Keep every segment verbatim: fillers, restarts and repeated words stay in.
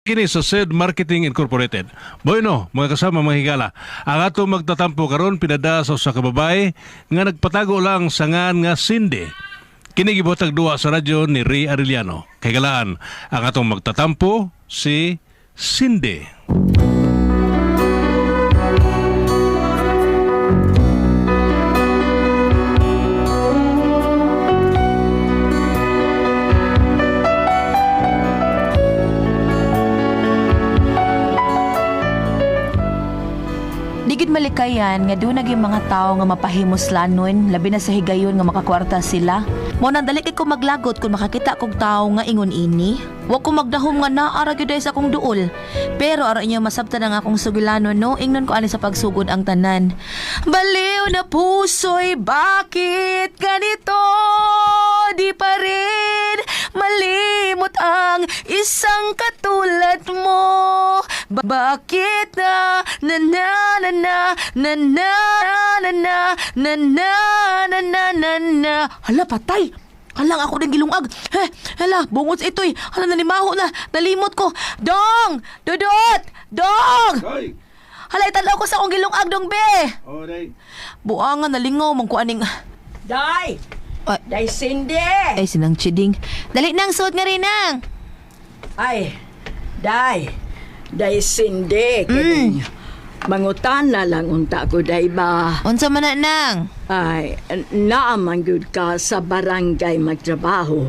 Kini sa S E D Marketing Incorporated. Bueno, mga kasama mga higala, ang ato magtatampo karon pinada sa usa ka babae nga nagpatago lang sa ngan nga Cindy. Kini gibutag duwa sa radyo ni Ray Arellano. Kay galaan, ang atong magtatampo si Cindy. Digid malikayan nga doon naging mga tao nga mapahimuslanon, labi na sa higayon nga makakwarta sila. Mo nang dali kay ko maglagot kung makakita kog tao nga ingon ini. Wa ko magdahom nga naara gyud sa akong duol. Pero ara inyo masabtan ang akong sugilanon no, ingnon ko ani sa pagsugod ang tanan. Baliw na puso'y bakit ganito? Di pa rin malimot ang isang katulad mo. Ba- bakit na na na na na na na na na na na na na na na hala patay. Halang ako ng gilungag. He, hala, bungot ito'y. Hala, nalimaho na. Nalimot ko. Dong! Dudot! Dong! Day! Hala, italaw ko sa akong gilungag, dong, be. Oh, day. Buangan, nalingaw, mangkuaning. Day! Ay, Day Cindy! ay, sinang chiding. Dali nang suot nga rin nang. Ay, Day! Day Cindy! Mm. Mangutana lang unta ko, Day ba? Unsa man na nang? Ay, naaman gud ka sa barangay magtrabaho.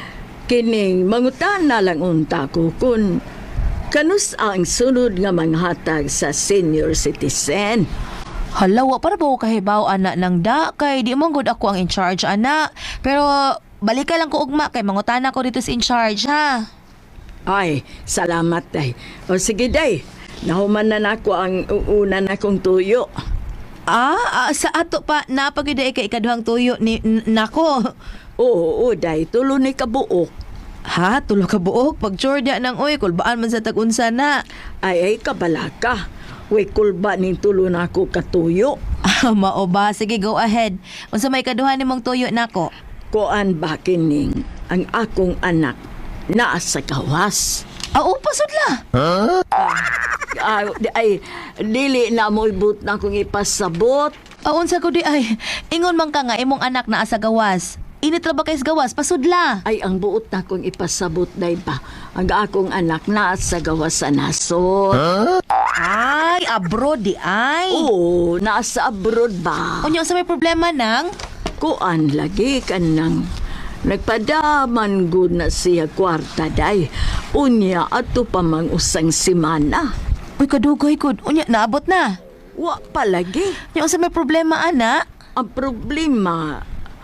Kining mangutana lang unta ko kung kanus ang sunod nga manghatag sa senior citizen. Hala, wa para ba ko kahibaw, anak ng da? Kay di man gud ako ang in charge, anak. Pero, balik ka lang ko ugma, kay mangutana ko dito sa in charge, ha? Ay, salamat, Day. O sige, Day. Nahuman na nako ang una na kong tuyo. Ah, ah, sa ato pa, napagiday kay ikaduhang tuyo ni n- nako. Oo, oo, Day. Tulo ni kabuok. Ha, tulo ka buok. Pag tsorda ng uy, kulbaan man sa tag-unsa na. Ay, ay, kabalaka. Uy, kulba ning tulo na ako katuyo. Ah, mao ba? Sige, go ahead. Unsa may kaduhan nimong tuyo nako? Kuan ba kining ang akong anak naa sa gawas. Ah, oh, pasod la. Ah, di- ay, dili na mo ibut na akong ipasabot. Ah, unsa ko di ay. Ingon man ka nga imong anak na asa gawas. Init ra ba kay sa gawas? Pasod la. Ay, ang buot na akong ipasabot, day ba? Ang akong anak naa sa gawas sa nasod. Ay, abroad di ay. Oo, naa sa abroad ba? Unya sa may problema nang? Kuan lagi ka nang nagpadaman gud na siya kwarta day. Unya ato pa mang usang simana. Uy, kadugay gud. Unya naabot na. Wa palagi. Unya sa may problema ana? Ang problema,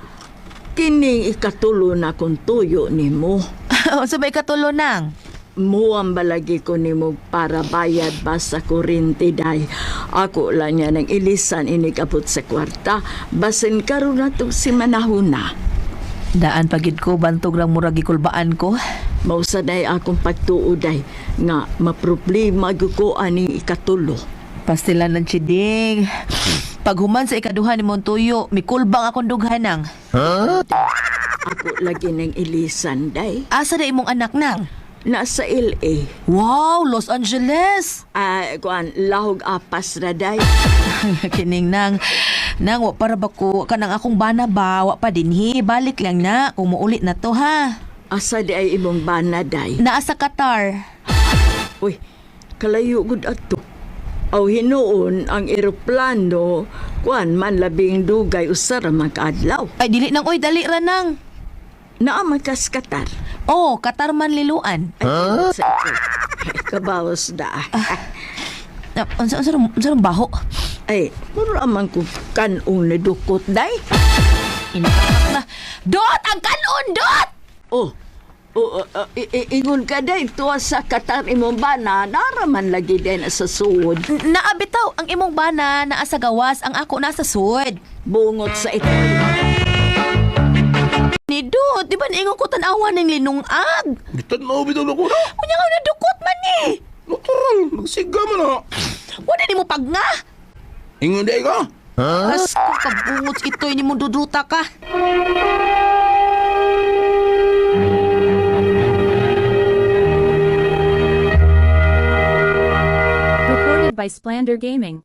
kining ikatulo na kong tuyo ni mo. Unsa may katulo nang? Muang balagi ko ni mo para bayad ba sa kurinti day. Ako lang niya nang ilisan inikabot sa kwarta. Basin karon na to si manahuna. Daan pagid ko bantog lang murag gikulbaan ko. Mausaday akong pagtuoday nga maproblema gyud ko ani ikatulo. Pastilan ng chiding. Paghuman sa ikaduhan ni mong tuyo, mikulbang akong dughanang. Ako lagi nang ilisan day. Asa na imong anak nang? Nasa L A. Wow, Los Angeles! Ah, kuan lahog apas ra day. Kining nang, nang wa para ba ko, kanang akong bana ba, wa pa dinhi, balik lang na, kung muulit na to ha. Asa di ay imong bana day. Naa sa Qatar. Uy, kalayo gud ato. Aw hinuon ang eroplano, kuan man labing dugay usara magadlaw. Ay, dili nang, oy, dali ra nang. Naa man kas Qatar. Oh, Qatar man liluan. Ay, sa ito. Kabawas da. Ah, Unsa, unsa, unsa, unsa rong baho? Ay, mura man ko kanong nadukot day. Inatak na. Dot! Ang kanon, Dot! Oh, oh, uh, uh, i- i- ingon ka day, tuwa sa Qatar imong bana, naraman lagi din sa suod. Naabitaw ang imong bana naa sa gawas, ang ako nasa sud. Bungot sa ito. Ni Dot, di ba naingon ko tanawa ng linungag? Bitan na ubitaw na ko na. Kunya nga nadukot man ni. Natural, nagsiga man na. Wala ni mo pag nga. Ingon day ka. As ko kabungot ito'y ni mo duduta ka. Powered by Splander Gaming.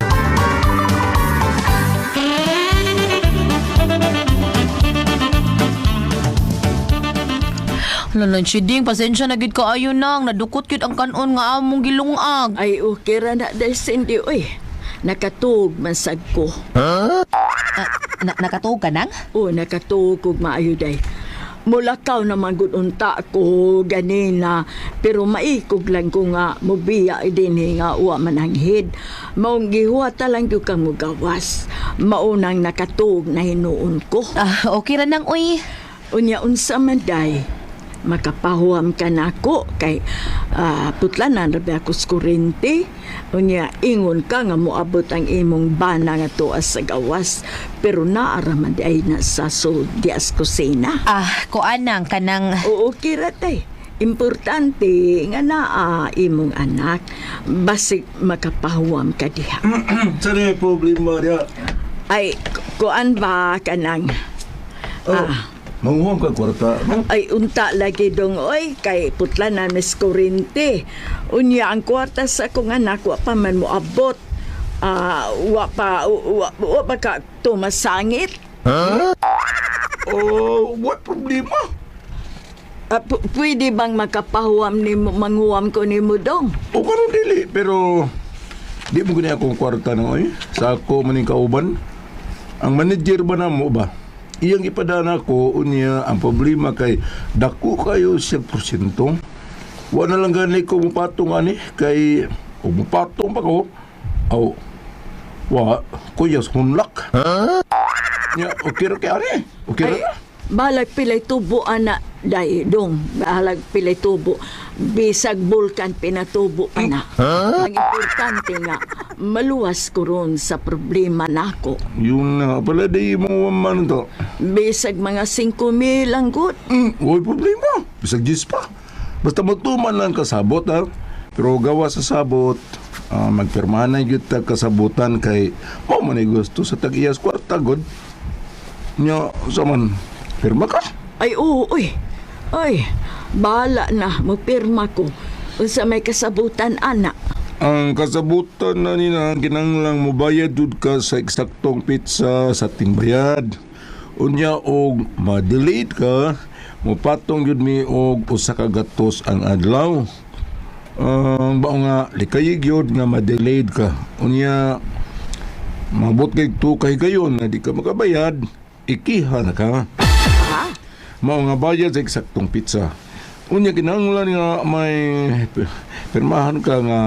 Lalan si Ding, pasensya na gid ka ayo nang nadukot gyud ang kanon nga among gilungag. Ay, okay ra na dahil Cindy, oy. Nakatug mansag ko. Na, nakatuog ka nang? O, nakatug kog maayo day. Mulakaw naman gud unta ko ganina, pero maikog lang ko nga mobiya din nga uwa mananghid. Maong gihuwata lang gyud kang mugawas. Maunang nakatug na hinuon ko. Ah, okay ra nang uy. Unya unsa man day, makapahuam ka na ako kay uh, putlanan rabi ako sa kurente. Unya ingon ka nga moabot ang imong bana nga tuas sa gawas, pero naaraman di ay nasa so dias kusina. Ah, kuanang kanang Oo, kira tay. Importante nga naa imong anak, basig makapahuam ka diha. Sana yung problema niya. Ay, ku- kuan ba kanang Oh, manguhang ka kwarta. ay unta lagi dong oy kay putla na mis kurente. Unya ang kwarta sa akong anak wa pa man mo abot. Ah, wa pa wa, wa pa ka tumasangit. Oh, what problema? Ah, pu- pwede bang makapahuam ni mo manguam ko ni mo dong? O karon dili, pero di mo gani akong kwarta na oy. Sa ako maning kauban. Ang manager ba na mo ba? Iyang ipadana ko unya ang problema kay dako kayo siya porsyento. Wa na lang gani ko mupatong ani kay ug mupatong pa ko. Aw. Wa kuyas hunlak. Ya, okay ra kay ani. Okay Ay, ra. balag pilay tubo ana day dong. Balag pilay tubo. Bisag bulkan pinatubo pa na. Ang importante nga maluwas ko ron sa problema nako. Yun na pala di mo man to. Bisag mga singko mil ang good. Mm, huwag problema. Bisag jis pa. Basta magtuman lang kasabot ha. Pero gawa sa sabot, uh, magpirmahan na yun tag kasabutan kay mo man ay gusto sa tag-iyas kwarta god. Nya, saman, pirma ka. Ay oo, uy. Ay, bahala na, magpirma ko. Unsa may kasabutan ana. Ang kasabutan na nina, kinanglang mobayad jud ka sa eksaktong pizza sa tingbayad. Unya og ma-delayed ka, mupatong jud mi og usa ka gatos ang adlaw. Ang bao nga likayig yun nga ma-delayed ka. Unya mabot kay to kay gayon na di ka makabayad, ikiha na ka. Ha? Mao nga bayad sa eksaktong pizza. Unya kinahanglan nga may pi- pirmahan ka nga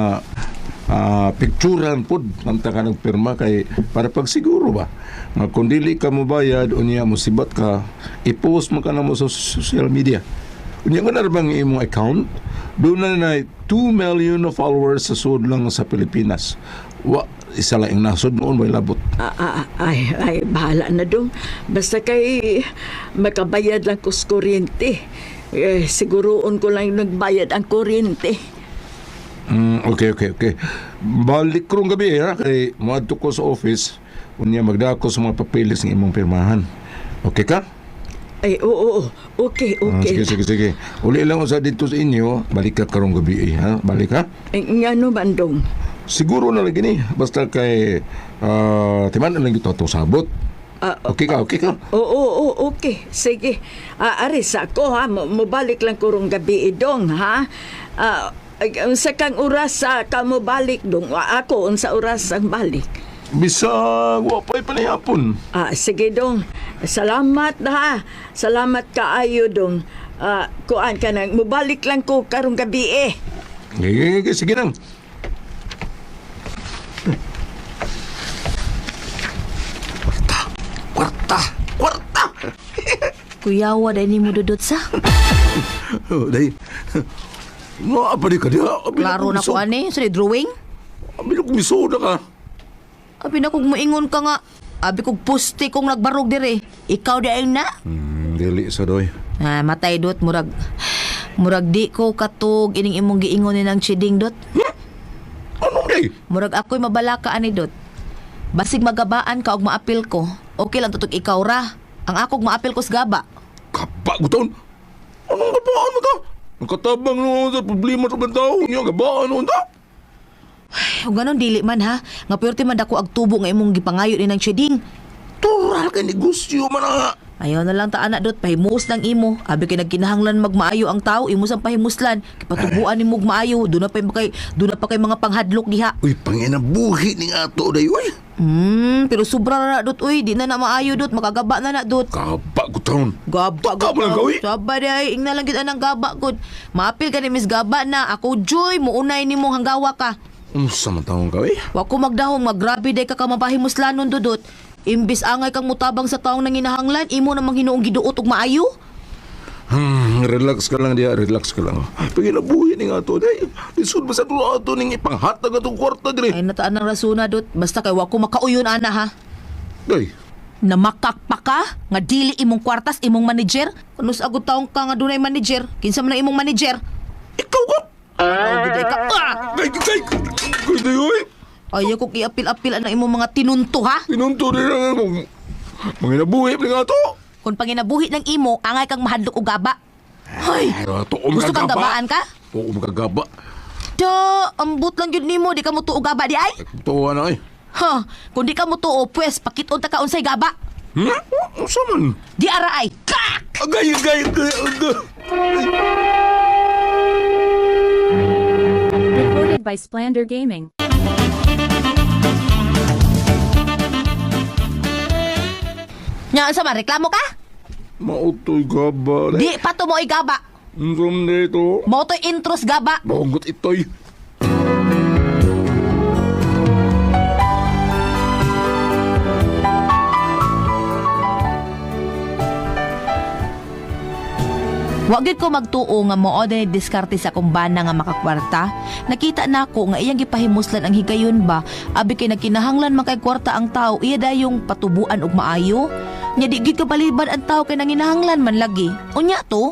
ah, picturean pod nanta ka nagpirma kay para pagsiguro ba nga kung dili ka mo bayad unya musibat ka i-post mo ka na mo sa social media. Unya nga na bang imong account doon na na two million na followers sa sud lang sa Pilipinas. Wa isa lang ang nasod noon may labot. Ah, ah, ay, ay, bahala na dong. Basta kay makabayad lang ko sa kuryente. Eh, siguroon ko lang nagbayad ang kuryente. Mm, okay, okay, okay. Balik ko rong gabi ha, kay muadto ko sa office, unya magdako sa mga papeles ng imong pirmahan. Okay ka? Ay, oo, oo. Okay, Ah, okay. sige, sige, sige. Uli lang sa dito sa inyo, balik ka karong gabi eh, ha? Balik ha? Eh, nga no, bandong. Siguro na lang gini, basta kay uh, timan na lang ito itong sabot. Ah, Okay ka, okay ka? Oo, oo, okay. Sige. Ah, aris ako, ha? Mo- Mubalik lang ko rong gabi idong, ha? Ah, ay, unsa kang oras sa ka mo balik dong? Ah, Ako, unsa oras ang balik? Bisag, wapay pa na yapon. Ah, sige dong. Salamat na ha. Salamat kaayo dong. Ah, kuan ka nang mubalik lang ko karong gabi eh. Sige, sige, sige lang. Kwarta, kwarta, kwarta. kuyawa dai nimo dudot sa. Oh, day. No, apa di ka dia? Klaro na ko ani sa drawing. Abi ko misoda ka. Abi na kog moingon ka nga. Abi kog puste kong nagbarog dire. Ikaw di ay na. Hmm, dili sa doy. Ah, matay dot murag murag di ko katog ining imong giingon ni nang chiding dot. Ano day? Murag ako'y mabalaka ani dot. Basig magabaan ka og maapil ko. Okay lang tutog ikaw ra. Ang akog maapil ko sa gaba. Kapa ko taon. Anong gabaan mo ka? Ang katabang no sa problema sa bantao niya, gabaan mo ta? O ganon dili man ha. Nga pwerte man dako ag tubo nga imong gipangayo ni ng trading. Tural ka negosyo man nga. Ayaw na lang ta anak dot pahimus lang imo. Abi kay nagkinahanglan magmaayo ang tao, imo sang pahimuslan. Kipatubuan nimo maayo, do na pa kay do na pa kay mga panghadlok diha. Uy, panginabuhi ni nga to day, uy. Hmm, pero sobra na na dot uy, di na na maayo dot, makagaba na na dot. Kapa ko taon. Gaba Taka mo lang, gawi. Saba day, ingna lang kita ng gaba gud. Maapil ka ni Miss Gaba na ako joy mo unay nimo hanggawa ka. Unsa man taong ka, uy? Wa ko magdahong maggrabe day ka ka mapahimuslanon dudot. Imbis angay kang mutabang sa taong nanginahanglan, imo namang hinuong giduot og maayo. Hmm, relax ka lang diya, relax ka lang. Panginabuhi ni nga to day. Lisod ba sa tulo ato ning ipanghatag atong kwarta dire? Ay nataan ang rasuna dot, basta kay wa ko makauyon ana ha. Day, Namakak pa ka nga dili imong kwartas imong manager. Kunus agud taong ka nga dunay manager, kinsa man ang imong manager? ikaw ka! Oh, giday ka. Ah! Day, day, day, day, uy! Ayaw ko kiapil-apil ang imong mga tinunto ha. Pinunto rin lang ako. Manginabuhi ni nga to. Kung panginabuhi ng imo, angay kang mahadlok og gaba. Ay, Ay, to, gusto kang gabaan ka? Oo, magagaba. Da, ambot lang yun nimo, di ka mo tuo gaba di ay? Tuwa na eh. Ha, kung di ka mo tuo, pwes, pakiton ta ka unsay gaba. Hmm? Unsa man? Di ara ay, kak! Agay, agay, agay, agay. Recorded by Splander Gaming. Nya, sa man, reklamo ka? Mautoy gaba. Di pa to mo gaba. Unsam dito. Mo to intros gaba. Bonggot itoy. Wa gid ko magtuo nga mao dinhi diskarte sa akong bana nga makakwarta. Nakita nako nga iyang gipahimuslan ang higayon ba, abi kay nagkinahanglan man kay kwarta ang tao, iya dayong patubuan og maayo. Nya di gid kabaliban ang tao kay nanginahanglan man lagi. Unya to?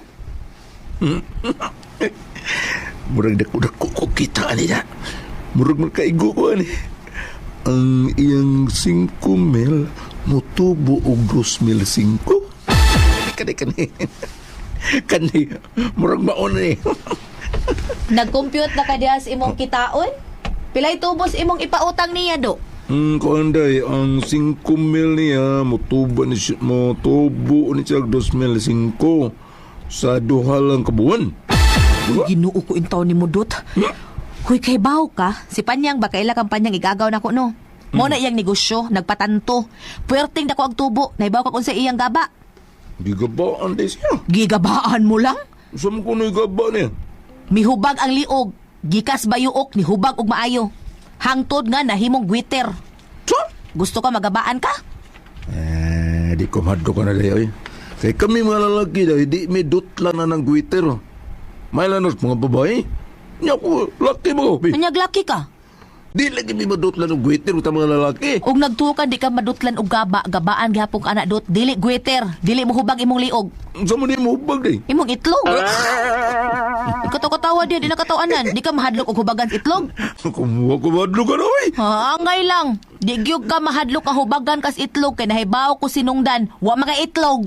Murag dako-dako ko kita niya. Murag magkaigo ko ani. Ang iyang singko mil mutubo og dos mil singko. Kani kani. Kani murag maon ni. Nag-compute na ka diha sa imong kitaon? Pilay tubos imong ipautang niya do? Hmm, kuanday, ang singko mil niya, mutubo ni siya, mutubo ni siya dos mil singko sa duha lang kabuan. Uy, Ginoo ko intaw ni Mudot. Huy, kay baw ka. Si Panyang ba kaila kang Panyang igagaw na ko no? Mo na iyang negosyo, nagpatanto. Puwerting dako ang tubo, naibaw ka kung sa iyang gaba. Di gabaan day siya. Gigabaan mo lang? Sa mo kuno'y gaba niya. Mihubag ang liog, gikas bayuok ni hubag og maayo. Hangtod nga nahimong gwiter. Sa? Gusto ka magabaan ka? Eh, di ko maddo ka na dayo eh. Kaya kami mga lalaki daw, di may dutla na ng guiter. May lanos mga babae. Niya ko, laki mo. Anyag laki ka. Di lagi may madutla ng guiter sa mga lalaki. Og nagtukan di ka madutlan og gaba, gabaan gihapon ka anak dot, dili gwiter, dili mo hubag imong liog. Sa mo di mo hubag day. Imong itlog. Ikataw-katawa din, di nakatawanan. Di ka mahadlok og hubagan sa itlog. Kumuha ko madlo ka na eh. Ha, angay lang. Di gyud ka mahadlok ang hubagan kas itlog kay nahibaw ko sinungdan. Wa mga itlog.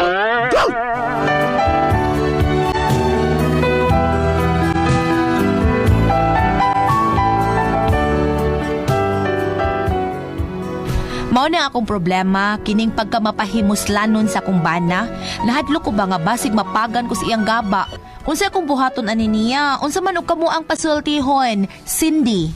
Mao na akong problema, kining pagka mapahimuslanon sa akong bana. Nahadlok ko ba nga basig mapagan ko sa iyang gaba. Unsa akong buhaton ani niya? Unsa man og kamo ang pasultihon? Cindy.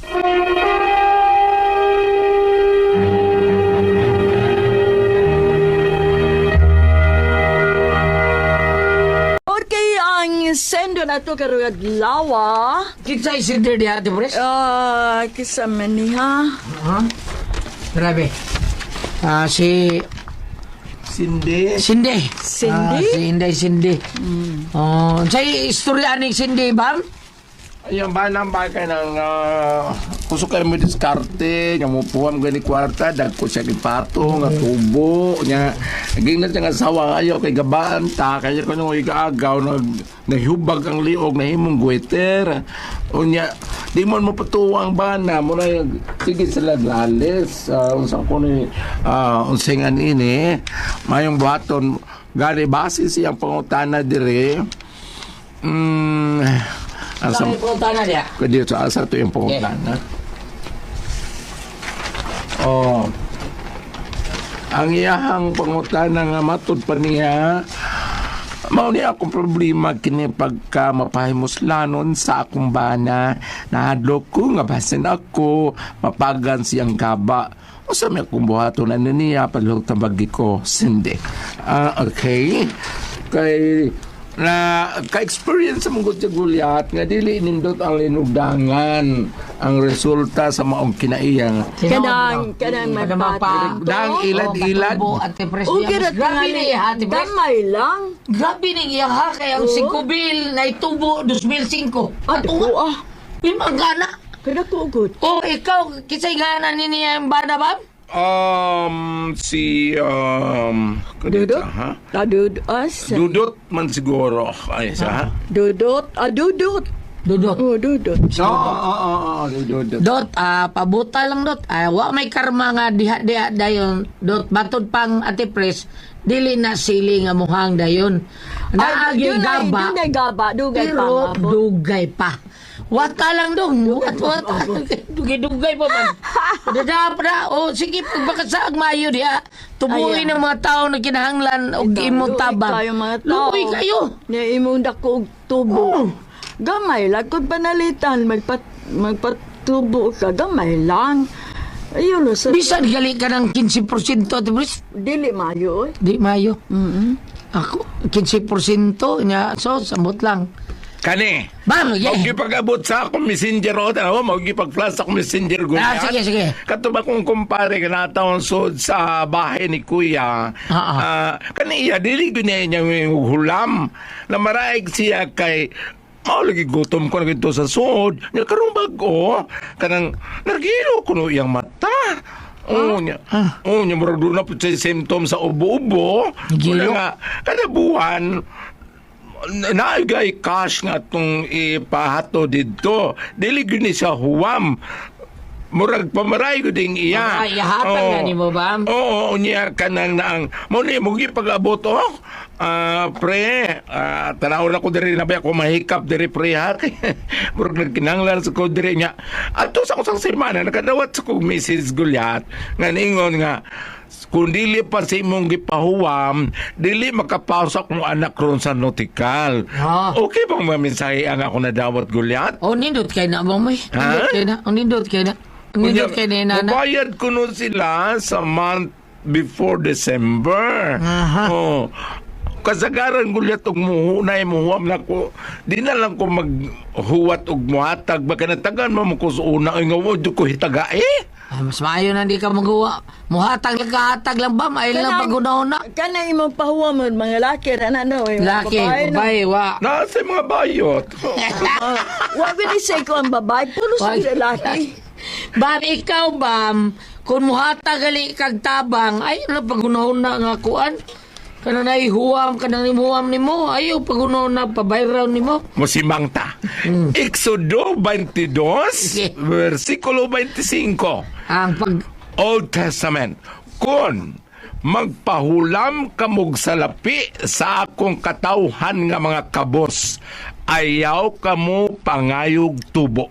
Okay, ang sendo na to karugad lawa. Kita isinder di hati, Pres. Ah, kisama ni ha. Ha? Grabe. Ah, si Sindi. Cindy. Cindy? Ah, si Inday Cindy. Oh, sa istorya ni Cindy, bam? Ayun ba nang bagay ng uh, kusok kayo mo diskarte, nga mo puwam gani kwarta, dagko siya kipato, nga tubo, nga naging na siya nga sawa kayo kay gabaan ta, kaya ko nung igaagaw, nag, nahubag ang liog, nahimong guweter. Unya, di mo mo patuwang bana, mo na yung, sige sila lalis, uh, unsa ko ni, uh, unsingan ini, mayong buhaton, gani base siyang pangutana dire, hmm, Sa Asam, may punta na diya. kaya sa asa to yung pangutana. Oh. Ang iyahang pangutana nga matud pa niya, mao ni akong problema kini pagka mapahimuslanon sa akong bana. Nahadlok ko nga basin ako mapagan siyang kaba. O sa may akong buhaton na niya padlog tabagi ko sindi. Ah, okay. Kay na ka-experience sa mga gulyat nga dili nindot ang linugdangan ang resulta sa maong kinaiyang Kanang, kanang Kada magpatag. mapa- dang ilad-ilad. Oh, Ate Pres. Okay ra Grabe ni Ate Pres. Gamay lang. Grabe ni iya ha. Kaya ang Oo. singkubil na itubo two thousand five. Ato ko ah. Limang gana. Kada ko good. O ikaw, kisay gana ni niya yung bana ba? Um, si, um, Dudot? kadita, ha? Tadud us. Dudot man siguro. Ay, sa, ha? Dudot. Ah, dudot. Dudot. Oh, dudot. Oo, oo, oo, dudot. Dot, ah, pabuta lang dot. Ah, wa may karma nga diha-diha dayon. Dot, batod pang Ate Pres, dili na sili nga muhang dayon. Naagi Ay, gaba, Dunay gaba. Dugay pa. pero mabot. dugay pa. Wata lang dong. Wat, wat. Dugay-dugay pa man. Dada pa na. O, sige, pagbakas mayo diha. Tubuhin Ayan. ng mga tao na kinahanglan o Ikaw, imong luoy tabang. kayo, mga tao. Luoy kayo. Ni imong dako og tubo. Gamay lang kung panalitan magpat magpatubo ka gamay lang. Ayun lo sa Bisan gali ka ng fifteen percent Ate Pres. dili mayo. eh. Di mayo. Mm. Ako, fifteen percent niya. So, samot lang. Kani, Bam, yeah. magipag-abot sa akong messenger o, tanawa, magipag-flash sa akong messenger Ah, gulyat. sige, sige. Katuba kong kumpare ka na taon sod sa bahay ni Kuya. Ah, ah. Ah, kani iya, dili ko niya niya yung hulam. Na maraig siya kay maulagi gutom ko na gito sa sod. Nga karong bago, kanang nargilo ko no iyang mata. Oo niya. Oo niya, murag doon na po siya symptoms sa ubo-ubo. Gilo? Wala nga, kada buwan, naagay cash nga itong ipahato dito. Dili gyud ni sa huwam. Murag pamaray ko ding iya. Ay, ihatag Oo. na ni mo ba? Oo, niya kanang naang. Mo ni mo pag-abot oh. Ah, pre, ah, tanaw na ko diri na ba ako mahikap diri pre ha. Murag nagkinanglan sa ko diri niya. Ato sa kusang semana nakadawat sa kong Missus Gulyat nga ningon nga kung dili pa sa imong gipahuwam, dili makapausa kong anak ron sa notikal. Ah. Okay bang mamisahe ang ako na dawat Gulyat? O, nindot kayo na, bang may? Ha? Nindot kayo na. O, nindot kayo na. Ang nindot kayo na, nana. Mubayad ko nun sila sa month before December. Aha. Oh. Kasagaran Gulyat og muhunay muhuam na ko. Di na lang ko maghuwat og muhatag. Baka natagan mo mo ko sa una. Ay nga, wad ko hitaga eh. Ah, mas maayo na di ka magawa. Muhatag lang kahatag lang ba? Ay lang pag-una-una. Kana imong pahuwa mo mga laki ra na no. eh, mga Laki, babae, no? babae, wa. Nasa mga bayot. Ah, wa gud say ko ang babae, pulo sa Wag. lalaki. Bam, ikaw, bam, kung muhatag gali kag tabang, ay na pag-una-una nga kuan. Kana na ihuwam, kana ihuwam ni mo. Ayaw pag-una-una, pabayraw ni mo. Musimang ta. Exodo twenty-two, Sige. versikulo twenty-five. Ang pag... Old Testament. Kung magpahulam kamog sa lapi sa akong katawhan nga mga kabos, ayaw kamo pangayog tubo.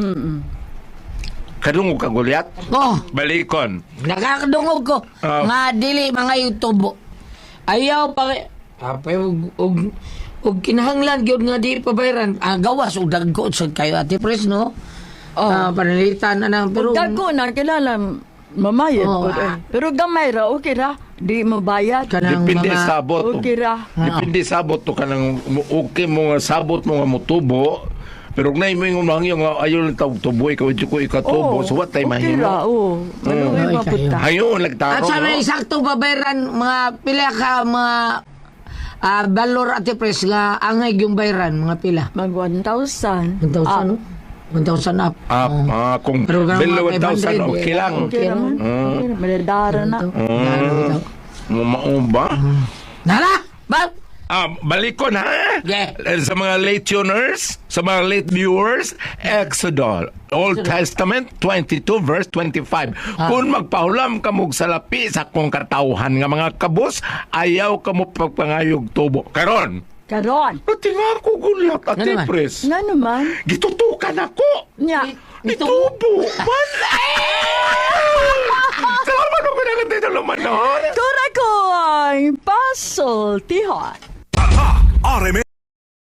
Kadungog ka Gulyat? Oh, Balikon. nakakadungog ko. Ah. Nga dili mga yutubo. Ayaw pa... Apay, og, og, og kinahanglan gyud nga di pabayran. Ah, gawas og dagko sa kayo Ate Pres, no? Oh. Ah, panalitan na nang pero Dagko na kilala mamayad Oh, po. ah. eh. Pero gamay ra okay ra. Di mabayad. kanang Depende mga... sa sabot. Okay ra. Depende sabot to kanang okay mo nga sabot mo nga motubo. Pero na mo yung mga yung ayaw lang tawag tubo, ikaw ito ko ikatubo. So what time okay ra, mahimo? oo. Ano Ay, ay mapunta. Hayon, At nagtaro. sa may no? sakto babayaran mga pila ka mga ah, balor Ate Pres nga angay yung bayaran mga pila. Mag one thousand. one thousand, no? one thousand up. Ah, Oh. ah, kung Pero ganun below mga one thousand, five hundred, okay lang. Okay ra man. Okay ra. Madadara na. Mm. Mumao ba? Nala! Ba? Ah, balikon ha? Yeah. Eh, Sa mga late tuners, sa mga late viewers, Exodus, Old Testament twenty-two verse twenty-five. Kung magpahulam ka mog sa lapi sa kong katawhan nga mga kabos, ayaw ka mo pagpangayog tubo. Karon, Karon. pati nga ako gulat at Nga naman. Pres. Nga naman. Gitutukan ako. Nya. Itubo. Wala. Kura ko ang pasultihon. R M